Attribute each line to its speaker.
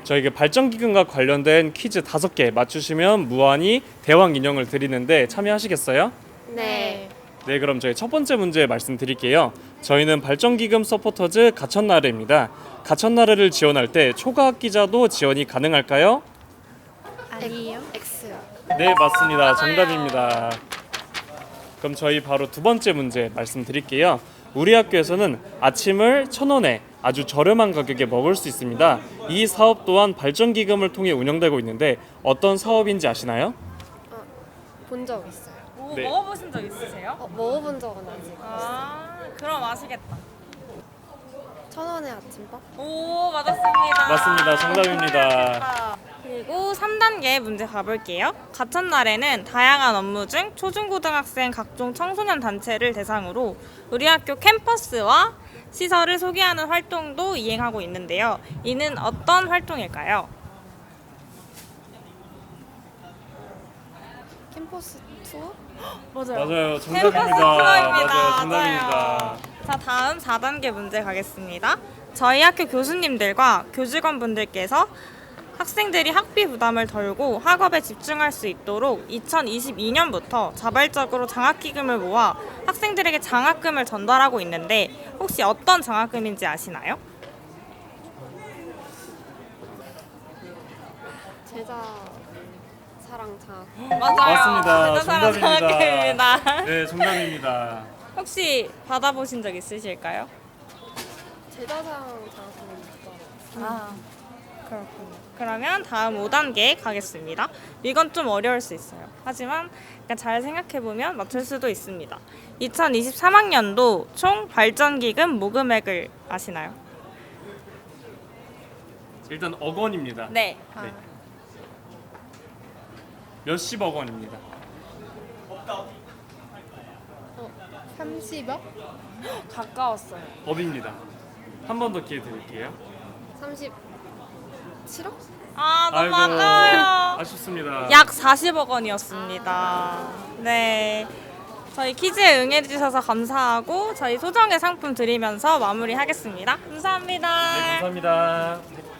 Speaker 1: 저희 발전기금과 관련된 퀴즈 5개 맞추시면 무한히 대왕 인형을 드리는데 참여하시겠어요?
Speaker 2: 네.
Speaker 1: 네, 그럼 저희 첫 번째 문제 말씀드릴게요. 저희는 발전기금 서포터즈 가천나래입니다. 가천나래를 지원할 때 초과학기자도 지원이 가능할까요?
Speaker 2: 아니요. X요.
Speaker 1: 네, 맞습니다. 정답입니다. 그럼 저희 바로 두 번째 문제 말씀드릴게요. 우리 학교에서는 아침을 1,000원에 아주 저렴한 가격에 먹을 수 있습니다. 이 사업 또한 발전기금을 통해 운영되고 있는데 어떤 사업인지 아시나요?
Speaker 2: 본 적 있어요.
Speaker 1: 네.
Speaker 3: 먹어보신 적 있으세요?
Speaker 2: 먹어본 적은 아직.
Speaker 3: 그럼 아시겠다.
Speaker 2: 1,000원의 아침밥?
Speaker 3: 오, 맞았습니다.
Speaker 1: 맞습니다. 정답입니다.
Speaker 3: 그리고 3단계 문제 가볼게요. 가천날에는 다양한 업무 중 초중고등학생 각종 청소년 단체를 대상으로 우리 학교 캠퍼스와 시설을 소개하는 활동도 이행하고 있는데요. 이는 어떤 활동일까요?
Speaker 2: 캠퍼스 투어?
Speaker 1: 맞아요.
Speaker 3: 캠퍼스
Speaker 1: 정답입니다.
Speaker 3: 투어입니다.
Speaker 1: 맞아요. 정답입니다.
Speaker 3: 맞아요. 자, 다음 4단계 문제 가겠습니다. 저희 학교 교수님들과 교직원분들께서 학생들이 학비 부담을 덜고 학업에 집중할 수 있도록 2022년부터 자발적으로 장학기금을 모아 학생들에게 장학금을 전달하고 있는데 혹시 어떤 장학금인지 아시나요?
Speaker 2: 제자 사랑 장학.
Speaker 3: 맞아요.
Speaker 1: 맞습니다.
Speaker 3: 대단한
Speaker 1: 정답입니다.
Speaker 3: 장학금입니다.
Speaker 1: 네, 정답입니다.
Speaker 3: 혹시 받아보신 적 있으실까요?
Speaker 2: 제자 사랑 장학금은 못 받아봤어요.
Speaker 3: 그렇군요. 그러면 다음 5단계 가겠습니다. 이건 좀 어려울 수 있어요. 하지만 약간 잘 생각해보면 맞출 수도 있습니다. 2023학년도 총 발전기금 모금액을 아시나요?
Speaker 1: 일단 억 원입니다.
Speaker 3: 네.
Speaker 1: 네. 몇십억 원입니다.
Speaker 2: 30억?
Speaker 3: 가까웠어요.
Speaker 1: 업입니다. 한 번 더 기회 드릴게요.
Speaker 2: 37억?
Speaker 3: 아, 너무 아까워요.
Speaker 1: 아쉽습니다.
Speaker 3: 약 40억 원이었습니다. 네. 저희 퀴즈에 응해주셔서 감사하고 저희 소정의 상품 드리면서 마무리하겠습니다. 감사합니다.
Speaker 1: 네, 감사합니다.